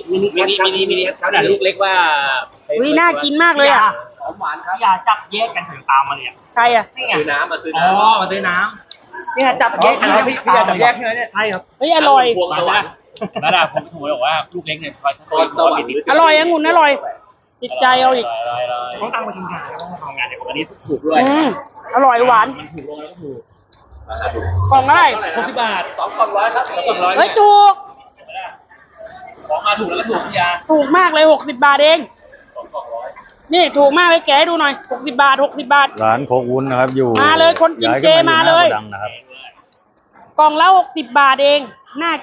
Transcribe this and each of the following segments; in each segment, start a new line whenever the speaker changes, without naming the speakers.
มินิขนาดลูกเล็กว่า
วิน่ากินมากเลยอ่ะ
หอมหวานครับ
อย่าจับแยกกันถึงตามมาเลยอ่ะ
ใครอ่ะ
ซื้อน้ำมาซื้อ
อ๋อ
น้ำ
มาซื้อน้ำเนี่ยจับแยกกันแล้วพี่อยากจับแยกใช่ไหมเนี่ยใช่ครับ
เฮ้ยอร่อย
พวงสวรรค์
นั่นแหละผมบอกว่าลูกเล็กเนี่ย
พรสวรรค์
อร่อยองุ่นอร่อยติดใจเอาอีก
เขาตั้งมาทำงานทำงานเดี๋ยววันนี้ถูกด้วย
อร่อยหวาน
มันถูกลงแล้วก็ถูก
กล่องอะไร
60 บาท
2 กล่องร้อยครับ2 กล่องร้อย
เฮ้ยถูก
ของมาถูกแล้วก็ถูกพี่ยา
ถูกมากเลย60 บาทเอง
2 กล่องร้อย
นี่ถูกมากเลยแกะให้ดูหน่อย60 บาท60 บาท
ร้านโคกวุ้นนะครับ อยู่
มาเลยคนกินเจมาเลย
อดังนะครับ
กล่องละ60 บาทเองน่า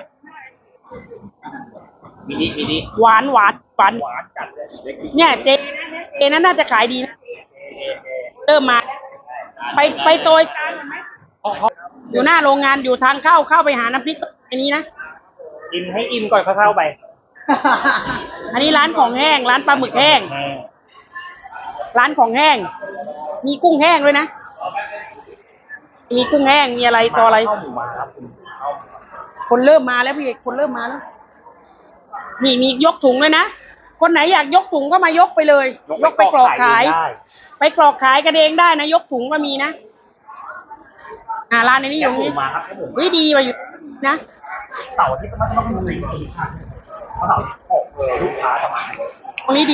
มินิ
หวาน
จัดเลยเล็ก
เนี่ยเจนั้นน่าจะขายดีนะเริ่มมาไปโซยกลางไหมอยู่หน้าโรงงานอยู่ทางเข้าไปหาน้ำพริกอันนี้นะ
กินให้อิ่มก่อนเข้าไป
อันนี้ร้านของแห้งร้านปลาหมึกแห้งร้านของแห้งมีกุ้งแห้งด้วยนะมีกุ้งแห้งมีอะไรต่ออะไร
ข้าวหมูมาครับ
คนเริ่มมาแล้วพี่เอกคนเริ่มมาแล้วนี่มียกถุงเลยนะคนไหนอยากยกถุงก็มายกไปเลยยกไปกรอกขายไปกรอกขายกันเองได้นะยกถุงก็มีนะร้านนี้อยู่นี่
มาครับผม
วิดีมาอยู่นะ
เสาร์ที่ต้องมีเพราะเสาร์ออกลูกค้าต่อมา
ตรงนี้ดี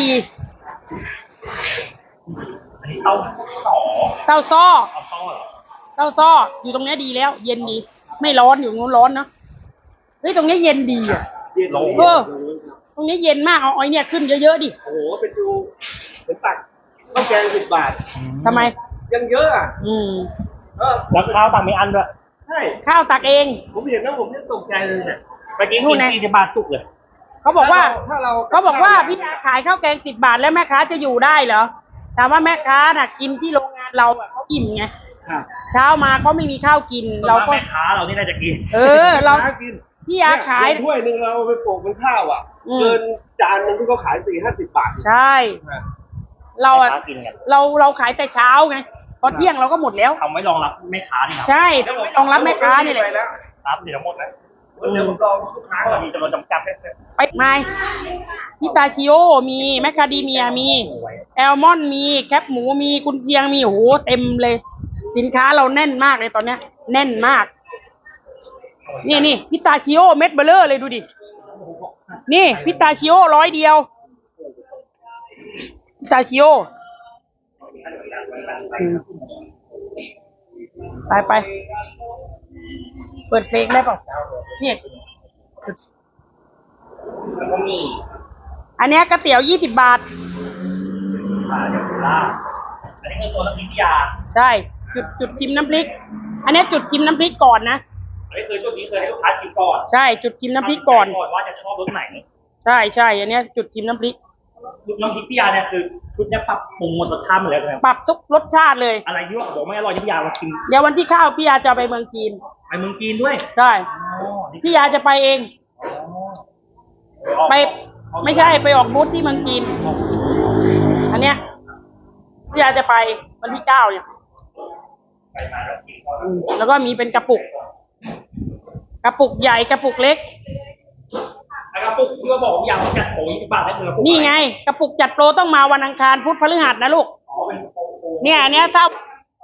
อันนี้เต้าต่อ
เต้าซ้อ
เอาต้อเหรอ
เต้าซ้ออยู่ตรงนี้ดีแล้ว เย็นดี ไม่ร้อนอยู่นู้นร้อนเนาะเฮ้ยตรงนี้เย็นดีอ่ะ
เย็น
เออตรงนี้เย็นมากเอาไอ้เนี่ยขึ้นเยอะๆดิ
โอ้โหเป็นดูเหมือนตักข้าวแกง10 บาท
ทำไม
ยังเยอะอ่ะ
แล้วข้าวต่างไม่อันด้วย
ใช่
ข้าวตักเอง
ผมเห็นแล้วผมยังตกใจเลยเนี่ย
เมื่อกี้กิน40 บาทจุกเลย
เขาบอกว่า
ถ้าเรา
เขาบอกว่าพี่ขายข้าวแกง10 บาทแล้วแม่ค้าจะอยู่ได้เหรอถามว่าแม่ค้าน่ะกินที่โรงงานเราอะเขาอิ่มไง
ครับ
เช้ามาเขาไม่มีข้าวกินเราก็
แม่ค้าเรานี่น่าจะกิน
เรา
หกิน
พี่ยาขาย
เนี่ยถ้วยหนึ่งเราเอาไปโปะเป็นข้าวอ่ะ เกินจานหนึงที่เขาขาย40-50 บาท
ใช่ เราอะ
แม่ค้ากินกัน
เราขายแต่เช้าไงพอเที่ยงเราก็หมดแล้ว
ทำไว้รองรับแม่ค้านี่ครับ
ใช่รองรับแม่ค้านี่แหละ
ไปแล้ว
ครับเดี๋ยวหมดนะ
เดี๋ยวผมลองทุกครั้ง
มีจำนวนจำกัดแค่
ไปไม่พิตาชิโอมีแมคคาเดเมียมีแอลมอนด์มีแคปหมูมีกุนเชียงมีโอ้โหเต็มเลย สินค้าเราแน่นมากเลยตอนเนี้ยแน่นมากนี่พิตาชิโอเม็ดเบลเลอร์เลยดูดินี่พิตาชิโอ100 เดียวพิตาชิโอไปเปิดเพลงได้เปล่าเนี่ย
แล้วก็มี
อันเนี้ยก๋วยเตี๋ยว20 บาท
เดี๋ยวลาอันนี้คือตัวน้ำพริกยา
ใช่จุดชิมน้ำพริก อันเนี้ยจุดชิมน้ำพริกก่อนนะ
อันนี้คือจุดนี้เคยให้ลูกค้าชิมก่อน
ใช่จุดชิมน้ำพริกก่อน
ว่าจะชอบรสไหน
ใช่อันเนี้ยจุดชิมน้ำพริก
น้ำพริกพี่ยาเนี่ยคือชุดเนี้ยปรับปรุงหมดรสชาติหมดแล้วใช่ไหม
ปรับทุกรสชาติเลย
อะไรที่ว่าบอกไม่อร่อยที่พี่ยามาชิม
เดี๋ยววันที่เข้าพี่ยาจะไปเมืองจีน
ไปเมืองจีนด้วย
ใช่
อ๋อนี่
พี่ยาจะไปเอง ไปไม่ใช่ไปออกบูธที่เมืองจีน อันเนี้ยพี่ยาจะไปวันที่9เนี่ย
ไปมาแล้วกิน
แล้วก็มีเป็นกระปุกใหญ่กระปุกเล็ก
แล้วก็ปุ๊บที่ว่าบอกพี่ยาว่าจัดโปร20 บาทให้เธอ
นี่ไง กระปุกจัดโปรต้องมาวันอังคารพุธพฤหัสนะลูก
อ๋อเป็นโปร
เนี่ยอันเนี้ยถ้า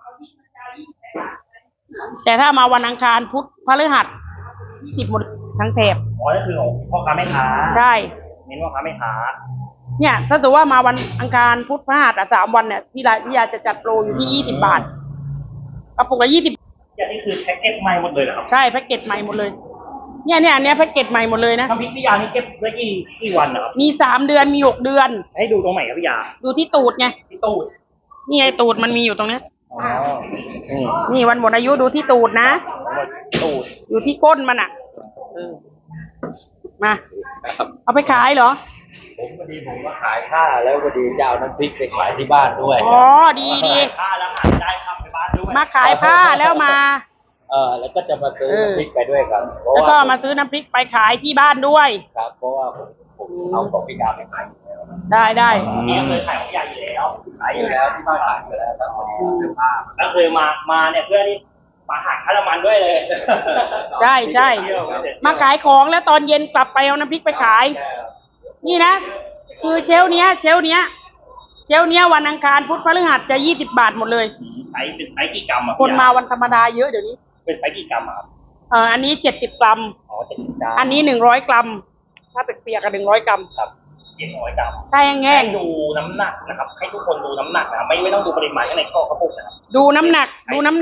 แต่ถ้ามาวันอังคารพุธพฤหัส20หมดทั้งแถบ
อ๋อนั่นคือของพ่อค้าแม่ค้า
ใช่
เน้นพ่อค้าแม่ค้า
เนี่ยถ้าสมมติว่ามาวันอังคารพุธพฤหัส3 วันเนี่ยพี่ยาจะจัดโปรอยู่ที่20 บาทกระปุกละ20
อย่างนี้คือแพ็กเกจใหม่หมดเลยเหรอครับ
ใช่แพ็กเกจใหม่หมดเลยเนี่ยอันเนี้ยแพ็กเกจใหม่หมดเลยนะ
น้ำพริกพี่ยานี่เก็บได้กี่วันนะครับ
มี3 เดือนมี6 เดือน
ให้ดูตรงไหนครับพี่ยา
อยู่ที่ตูดไง
ที่ตู้
นี่ไงตูดมันมีอยู่ตรงเนี้ย
อ๋อ
นี่วันหมดอายุดูที่ตูดนะ
ตู้
อยู่ที่ก้นมันอ่ะมาเอาไปขายเหรอ
ผมก็ขายข้าแล้วพอดีจะเอาน้ำพริกไปขายที่บ้านด้วย
อ๋อดี
ผ้าแล้วหาได้ครับไปบ้านด้วย
มาขายผ้าแล้วมา
แล้วก็จะมาซื้อน้ำพริกไปด้วยครับเพราะ
แล้ว
ว่า
ก็มาซื้อน้ำพริกไปขายที่บ้านด้วย
ครับเพราะว่าผมเอาของพี่ยาไปขายอยู่แล้ว
ได้
นี่เคยขายของพี่ยาอยู่แล้ว
ขายอยู่แล้วที่บ้านขายอยู่แล้วครับพอดีเสื้อผ้า
แล้วเคยมาเนี่ยเพื่อที่มาหาค่าน้ำมันด้วยเลย
ใช่มาขายของแล้วตอนเย็นกลับไปเอาน้ำพริกไปขายนี่นะ คือเชลฟ์เนี้ยวันอังคารพุธพฤหัสจะ20 บาทหมดเลย
ไซส์เป็นไซส์กี่กรัมอ่ะ
คนมาวันธรรมดาเยอะเดี๋ยวนี้
เป็นไซส์กี่กรัมอ่ะครับ
อันนี้70 กรัม
อ๋อ70 กรัม
อันนี้100 กรัม ถ้าเป็นเปียกกับ100 กรัม
ครับ700 กรัม
ถ้าแห้
ให้
ง
ดูน้ำหนักนะครับ ให้ทุกคนดูน้ำหนักนะครับไม่ต้องดูปริมาณข้างในข้อกระปุกนะครับ
ๆดูน้ำหนัก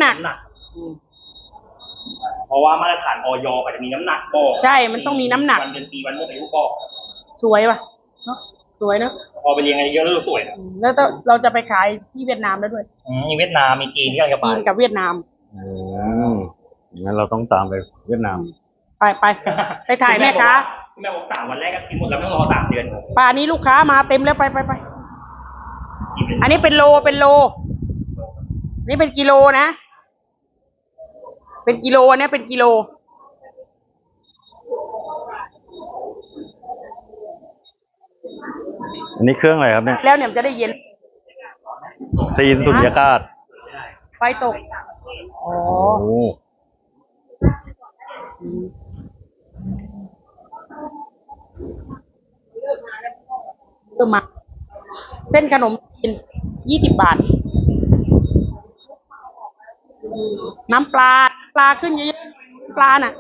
เพราะว่ามาตรฐานออยก็จะมีน้ำหนักบอก
ใช่มันต้องมีน้ำหนัก
วันเดือนปีวันเมื่ออายุบอก
สวยป่ะเนาะสวยเนาะ
พอไปเรียนกันเยอะแล้วสวยนะ
แล้วเราจะไปขายที่เวียดนามแล้วด้วย
มีเวียดนามมีจีนที่กำลังจะไป
จีนกับเวียดนาม
งั้นเราต้องตามไปเวียดนาม
ไปถ่ายแม่ค้า
แม่บอก3 วันแรกก็กินหมดแล้วไม่ต้องรอ3 เดือน
ป่านนี้ลูกค้ามาเต็มแล้วไปอันนี้เป็นโลนี่เป็นกิโลนะ เป็นกิโลอันนี้เป็นกิโล
อันนี้เครื่องอะไรครับเนี่ย
แล้วเนี่ยมันจะได้เย็น
ซีนสุญญากาศ
ไฟตก อ๋อ
โอ้
เริ่มมา เส้นขนมจีน20 บาท น้ำปลาขึ้นเยอะๆปลาน่ะ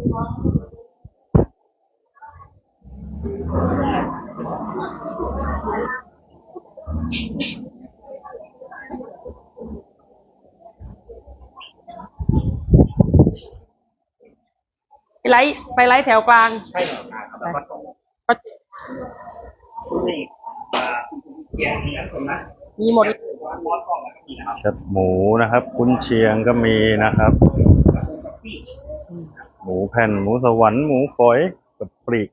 ไปไลฟ์แถวกลาง
ใช่เหรอครับแล้วก็ส่ง
ก็
นี่แกงมีน้ำส้มนะ
มีหมด
ร้อนกล่องแล้วก็มีนะครับ
แคบหมูนะครับกุนเชียงก็มีนะครับ หมูแผ่นหมูสวรรค์หมูฝอยกับปลีก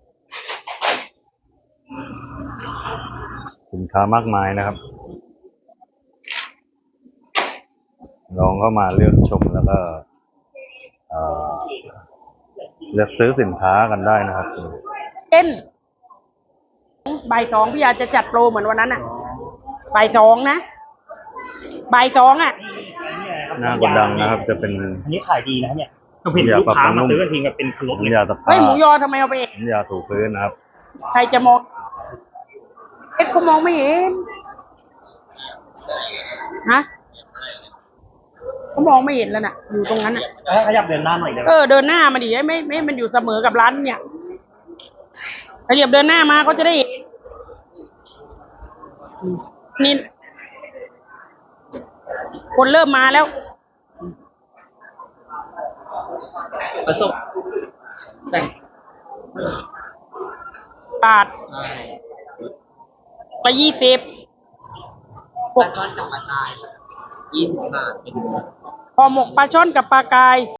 สินค้ามากมายนะครับ ลองเข้ามาเลือกชมแล้วก็เลือกซื้อสินค้ากันได้นะครับ
เต้นบ่าย 2พี่อาจจะจัดโปรเหมือนวันนั้นอ่ะบ่าย 2นะบ่าย 2อ่ะ
หน้ากดดังนะครับ จะเป็น
อันนี้ขายดีนะเนี่ยเราเห็นลูกค้ามาซื้อกันทีแบบเป็นครบเลย
น้ำยาตะ
เฮ้ย
ผ้า
หมูยอทำไมเอาไปเอง
น้ำยาถูพื้นนะครับ
ใครจะมองเขามองไม่เห็นฮะเขามองไม่เห็นแล้วน่ะ อยู่ตรงนั้นน่ะ
ขยับเดินหน้าหน่อยเลย
เดินหน้ามาดิไม่มันอยู่เสมอกับร้านเนี่ยขยับเดินหน้ามาก็จะได้เห็นนี่คนเริ่มมาแล้ว
ผสมแต่ง
บาทไป20
ปลาช่อนกับปลากาย20 บาทเป็น
พอหมกปลาช่อนกับปลากาย